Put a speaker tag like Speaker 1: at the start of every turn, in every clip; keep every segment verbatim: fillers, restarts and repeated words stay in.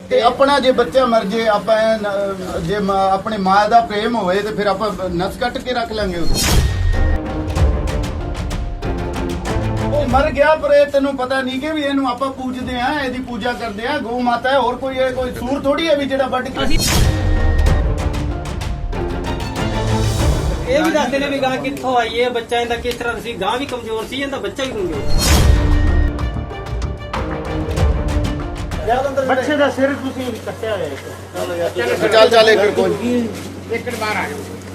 Speaker 1: ਤੇ ਆਪਣਾ ਜੇ ਬੱਚਾ ਮਰ ਜੇ ਆਪਾਂ ਨ- ਜੇ ਮਾਂ- ਆਪਣੀ ਮਾਂ ਦਾ ਪ੍ਰੇਮ ਹੋਵੇ ਤੇ ਫਿਰ ਆਪਾਂ ਨਸ ਕੱਟ ਕੇ ਰੱਖ ਲਾਂਗੇ ਉਹਨੂੰ। ਉਹ ਮਰ ਗਿਆ ਪਰ ਇਹ ਤੈਨੂੰ ਪਤਾ ਨਹੀਂ ਕਿ ਵੀ ਇਹਨੂੰ ਆਪਾਂ ਪੂਜਦੇ ਆ, ਇਹਦੀ ਪੂਜਾ ਕਰਦੇ ਆ। ਗਊ ਮਾਤਾ ਹੈ, ਹੋਰ ਕੋਈ ਇਹ ਕੋਈ ਸੂਰ ਥੋੜੀ ਹੈ ਵੀ ਜਿਹੜਾ ਵੱਢ ਕੇ।
Speaker 2: ਇਹ ਵੀ ਦੱਸਦੇ ਨੇ ਵੀ ਗਾਂ ਕਿੱਥੋਂ ਆਈ ਹੈ, ਬੱਚਾ ਇਹਦਾ ਕਿਸ ਤਰ੍ਹਾਂ ਸੀ। ਗਾਂ ਵੀ ਕਮਜ਼ੋਰ ਸੀ, ਇਹਦਾ ਬੱਚਾ ਵੀ ਕਮਜ਼ੋਰ।
Speaker 3: ਬੱਚੇ ਦਾ ਸਿਰ ਤੁਸੀਂ ਕੱਟਿਆ ਹੋਇਆ ਇੱਕ।
Speaker 1: ਚੱਲ ਚੱਲ ਇੱਕ ਕੋਈ
Speaker 3: ਇੱਕ ਬਾਹਰ ਆ ਜਾਓ।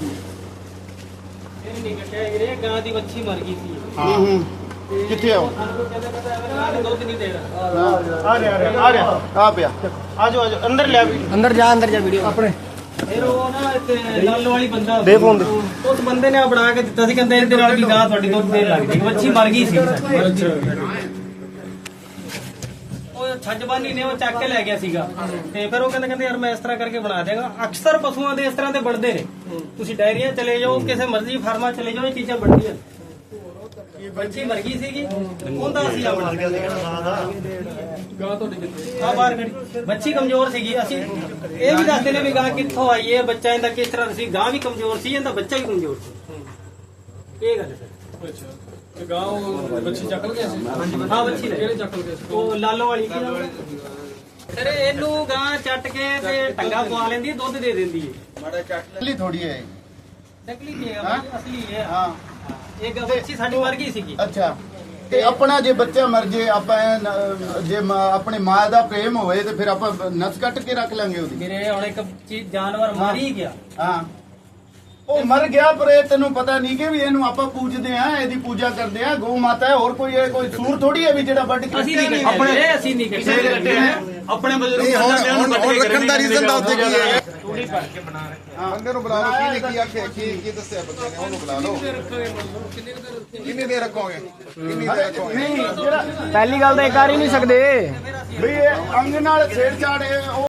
Speaker 2: ਇਹ ਨਹੀਂ ਕੱਟਿਆ ਵੀਰੇ, ਗਾਂ ਦੀ ਵੱਛੀ ਮਰ ਗਈ ਸੀ।
Speaker 1: ਹੂੰ ਹੂੰ ਕਿੱਥੇ ਆਓ
Speaker 2: ਸਾਨੂੰ ਕਹਿੰਦੇ ਪਤਾ ਦੁੱਧ ਨਹੀਂ ਦੇਣਾ।
Speaker 3: ਆ ਰਿਹਾ ਆ ਰਿਹਾ ਆ ਰਿਹਾ
Speaker 1: ਆ ਪਿਆ
Speaker 3: ਆ ਜਾਓ ਆ ਜਾਓ ਅੰਦਰ ਲਿਆ ਵੀ
Speaker 4: ਅੰਦਰ ਜਾ ਅੰਦਰ ਜਾ ਵੀਡੀਓ ਆਪਣੇ
Speaker 2: ਫਿਰ ਉਹ ਨਾ ਇੱਥੇ ਲਾਲੋ ਵਾਲੀ ਬੰਦਾ
Speaker 3: ਦੇ ਫੋਨ ਦੇ।
Speaker 2: ਉਸ ਬੰਦੇ ਨੇ ਬਣਾ ਕੇ ਦਿੱਤਾ ਸੀ, ਕਹਿੰਦੇ ਇਹਦੇ ਨਾਲ ਵੀ ਗਾਂ ਤੁਹਾਡੀ ਦੁੱਧ ਦੇਣ ਲੱਗ ਜਾਏਗੀ। ਵੱਛੀ ਮਰ ਗਈ ਸੀ ਸਾਡੀ। ਉਹ ਛੱਜਬਾਨੀ ਨੇ ਉਹ ਚੱਕ ਕੇ ਲੈ ਗਿਆ ਸੀਗਾ ਤੇ ਫਿਰ ਉਹ ਕਹਿੰਦੇ ਕਹਿੰਦੇ ਯਾਰ ਮੈਂ ਇਸ ਤਰ੍ਹਾਂ ਕਰਕੇ ਬਣਾ ਦੇਗਾ। ਅਕਸਰ ਪਸ਼ੂਆਂ ਦੇ ਇਸ ਤਰ੍ਹਾਂ ਦੇ ਬਣਦੇ ਨੇ। ਤੁਸੀਂ ਡਾਇਰੀਆਂ ਚਲੇ ਜਾਓ, ਕਿਸੇ ਮਰਜ਼ੀ ਫਾਰਮਾਂ ਚਲੇ ਜਾਓ, ਇਹ ਚੀਜ਼ਾਂ ਬਣਦੀਆਂ। ਬੱਚੀ ਮਰ ਗਈ ਸੀਗੀ, ਉਹਦਾ ਅਸੀਂ ਆਪਣਾ ਗਾਂ ਤੁਹਾਡੀ ਕਿੱਥੇ ਆ ਬਾਹਰ ਖੜੀ। ਬੱਚੀ ਕਮਜ਼ੋਰ ਸੀਗੀ। ਅਸੀਂ ਇਹ ਵੀ ਦੱਸਦੇ ਨੇ ਵੀ ਗਾਂ ਕਿੱਥੋਂ ਆਈ ਹੈ, ਬੱਚਾ ਇਹਦਾ ਕਿਸ ਤਰ੍ਹਾਂ ਸੀ। ਗਾਂ ਵੀ ਕਮਜ਼ੋਰ ਸੀ, ਇਹਦਾ ਬੱਚਾ ਵੀ ਕਮਜ਼ੋਰ ਸੀ। ਇਹ ਗੱਲ ਹੈ ਸਰ।
Speaker 5: ਅੱਛਾ ਤੇ ਗਾਂ ਉਹ ਬੱਚੀ ਚੱਕ ਗਿਆ ਸੀ।
Speaker 2: ਹਾਂ ਬੱਚੀ ਲੈ
Speaker 5: ਕਿਹੜੇ ਚੱਕ ਗਏ ਸੀ?
Speaker 2: ਉਹ ਲਾਲੋ ਵਾਲੀ ਕੀ ਨਾਮ ਹੈ? ਸਰ ਇਹਨੂੰ ਗਾਂ ਚੱਟ ਕੇ ਤੇ ਟੰਗਾ ਪਵਾ ਲੈਂਦੀ ਹੈ, ਦੁੱਧ ਦੇ ਦਿੰਦੀ ਹੈ।
Speaker 1: ਮਾੜਾ ਚੱਟ ਲਈ ਥੋੜੀ ਹੈ
Speaker 2: ਨਕਲੀ ਨਹੀਂ ਹੈਗਾ, ਅਸਲੀ ਹੈ।
Speaker 1: ਹਾਂ
Speaker 2: ਇਹ ਗਾਂ ਬੱਚੀ ਸਾਡੀ ਮਰ ਗਈ ਸੀਗੀ।
Speaker 1: ਅੱਛਾ ਤੇ ਆਪਣਾ ਜੇ ਬੱਚਾ ਮਰ ਜੇ ਆਪਾਂ ਨ- ਜੇ ਮਾਂ- ਆਪਣੀ ਮਾਂ ਦਾ ਪ੍ਰੇਮ ਹੋਵੇ ਤੇ ਫਿਰ ਆਪਾਂ ਨਸ ਕੱਟ ਕੇ ਰੱਖ ਲਾਂਗੇ ਉਹਦੀ।
Speaker 2: ਮੇਰੇ ਹੁਣ ਇੱਕ ਚੀਜ਼ ਜਾਨਵਰ ਮਰ ਹੀ ਗਿਆ।
Speaker 1: ਹਾਂ ਉਹ ਮਰ ਗਿਆ ਪਰ ਇਹ ਤੈਨੂੰ ਪਤਾ ਨਹੀਂ ਕਿ ਵੀ ਇਹਨੂੰ ਆਪਾਂ ਪੂਜਦੇ ਆ, ਇਹਦੀ ਪੂਜਾ ਕਰਦੇ ਆ। ਗਊ ਮਾਤਾ ਹੈ, ਹੋਰ ਕੋਈ ਇਹ ਕੋਈ ਸੂਰ ਥੋੜੀ ਹੈ ਵੀ ਜਿਹੜਾ ਵੱਢ ਕੇ।
Speaker 2: ਅਸੀਂ ਨਹੀਂ ਕੱਟੇ, ਅਸੀਂ ਨਹੀਂ ਕੱਟੇ।
Speaker 5: ਆਪਣੇ ਬਜ਼ੁਰਗ
Speaker 1: ਹੁਣ ਰੱਖਣ ਦਾ ਰੀਜ਼ਨ ਦਾ ਉੱਤੇ ਕੀ ਹੈ?
Speaker 2: ਥੋੜੀ ਭਰ ਕੇ ਬਣਾ ਰਹੇ।
Speaker 1: ਬੰਦੇ ਨੂੰ ਬੁਲਾ ਲਓ, ਕੀ ਨੇ ਕੀ ਆਖਿਆ, ਕੀ ਕੀ ਦੱਸਿਆ ਬੰਦੇ ਨੇ, ਉਹਨੂੰ ਬੁਲਾ ਲਓ। ਕਿੰਨੀ ਦੇਰ ਰੱਖੋਗੇ, ਕਿੰਨੀ ਦੇਰ ਰੱਖੋਗੇ? ਨਹੀਂ ਜਿਹੜਾ
Speaker 4: ਪਹਿਲੀ ਗੱਲ ਤਾਂ ਇਹ ਕਰ ਹੀ ਨਹੀਂ ਸਕਦੇ।
Speaker 1: ਵੀ ਇਹ ਅੰਗ ਨਾਲ ਛੇੜ ਛਾੜ ਇਹ ਉਹ